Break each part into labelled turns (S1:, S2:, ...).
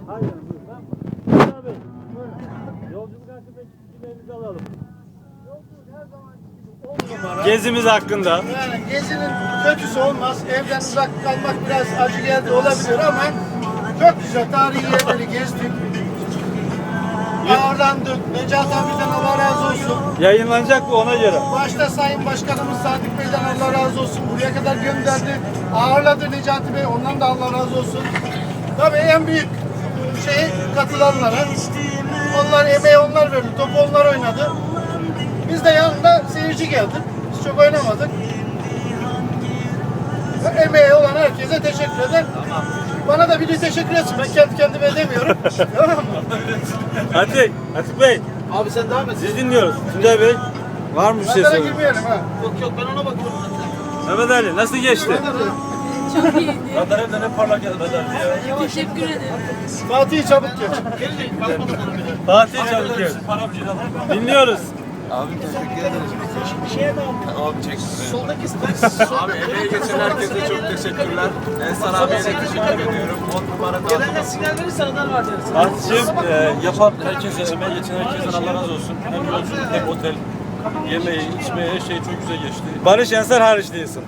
S1: Aynen. Buyur abi. Yolculuk hakkında fikirlerinizi alalım. Gezimiz hakkında.
S2: Yani gezinin kötüsü olmaz. Evden uzak kalmak biraz acı geldi olabilir ama çok güzel tarihi yerleri gezdik. Ağırlandık. Necati abiden Allah razı olsun.
S1: Yayınlanacak bu ona göre.
S2: Başta Sayın Başkanımız Sadık Bey'den Allah razı olsun. Buraya kadar gönderdi. Ağırladı Necati Bey. Ondan da Allah razı olsun. Tabii en büyük katılanlara. Onlar emeği onlar verdi. Topu onlar oynadı. Biz de yanında seyirci geldik. Biz çok oynamadık. Emeği olan herkese teşekkür ederim. Bana da biri teşekkür etsin. Ben kendi kendime edemiyorum. Tamam mı?
S1: Atik Bey.
S2: Abi sen devam et.
S1: Siz dinliyoruz. Tuncay Bey. Var mı bir şey
S2: Pazara
S1: söylemek?
S2: girmeyelim ha. Yok ben ona bakıyorum.
S1: Mehmet Ali nasıl geçti?
S3: Çok iyiydi.
S1: Kadarıyla ne parlak geldi ya.
S3: Teşekkür ederim.
S2: Fatih çabuk geç.
S1: Fatih Çavuker. Dinliyoruz.
S4: Abi teşekkür ederiz. Abi çek.
S2: Soldaki
S4: Abi emeği geçen herkese çok teşekkürler. Ensar abiye de teşekkür ediyorum. 10 numara
S2: genelde sinyal verirsen adar var deriz.
S1: Fatih'im
S5: Yapan herkese, emeği geçen herkesten Allah razı olsun. Hem yolculuk hem otel, yemeği, içmeye her şey çok güzel geçti.
S1: Barış Ensar hariç değilsin.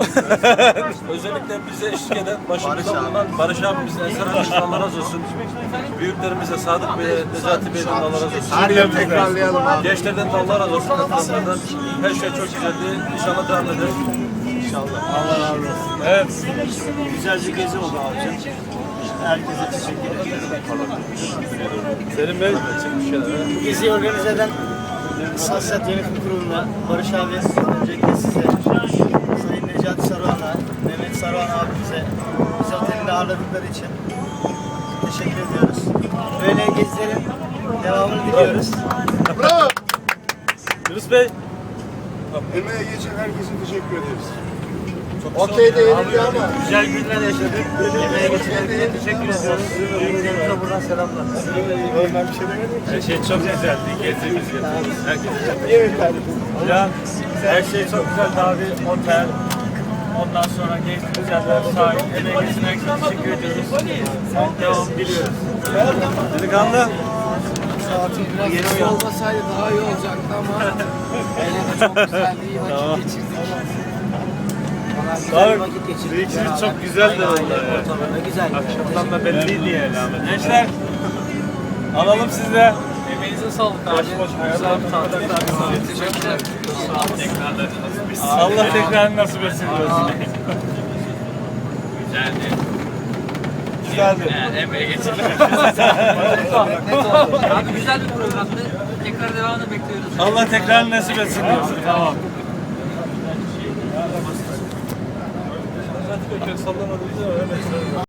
S5: Özellikle bize eşlik eden başımızda bulunan Barış abimizin Ensar abimizden Allah razı olsun. Büyüklerimize Sadık Bey'e, Necati Bey'den Allah razı olsun.
S2: Her yıl tekrarlayalım abi.
S5: Gençlerden de Allah razı olsun. Katılanlardan her şey çok güzeldi. İnşallah devam eder.
S1: Allah razı olsun. Evet.
S6: Güzel bir gezi oldu abicim. Herkese teşekkür ederim.
S1: Selim Bey.
S6: Bu geziyi organize eden Sasyat Yönetim Kurulu'na, Barış abi, öncelikle size, Sayın Necati Saruhan'a, Mehmet Saruhan abimize, bizi otelinde ağırladıkları için teşekkür ediyoruz. Böyle gezilerin devamını diliyoruz.
S2: Bravo.
S1: Yunus Bey.
S2: Emeğe geçen herkese teşekkür ederiz. Okey de yenildi ama.
S6: Güzel günler yaşadık. Yemeğe geçen herkese teşekkür ediyoruz. Büyüklerimize buradan selamlar.
S1: Her şey çok güzeldi. Gezdiğimiz herkese.
S2: Evet kardeşim.
S1: Ya her şey çok güzeldi abi. Otel. Ondan sonra gezdiğimiz yerler, sahil, emeğe geçen herkese teşekkür ediyoruz. Devam diliyoruz. Delikanlı.
S2: Yeni olmasaydı daha iyi olacaktı ama yine de çok güzeldi. İyi vakit geçirdik. Valla güzel bir vakit geçirdik.
S1: Büyüksünüz çok güzeldi vallahi.
S6: Ortamında güzel.
S1: Akşamdan da belliydi yani. Gençler. Alalım siz de.
S5: Emeğinize sağlık abi. Güzel bir tatil. Teşekkürler.
S1: Allah tekrar nasip etsin diyorsun. Güzeldi.
S5: Emeğe geçirdik.
S3: Abi güzel bir programdı. Tekrar devamını bekliyoruz.
S1: Allah tekrar nasip etsin diyorsun. Tamam.
S5: Sallamadınız ama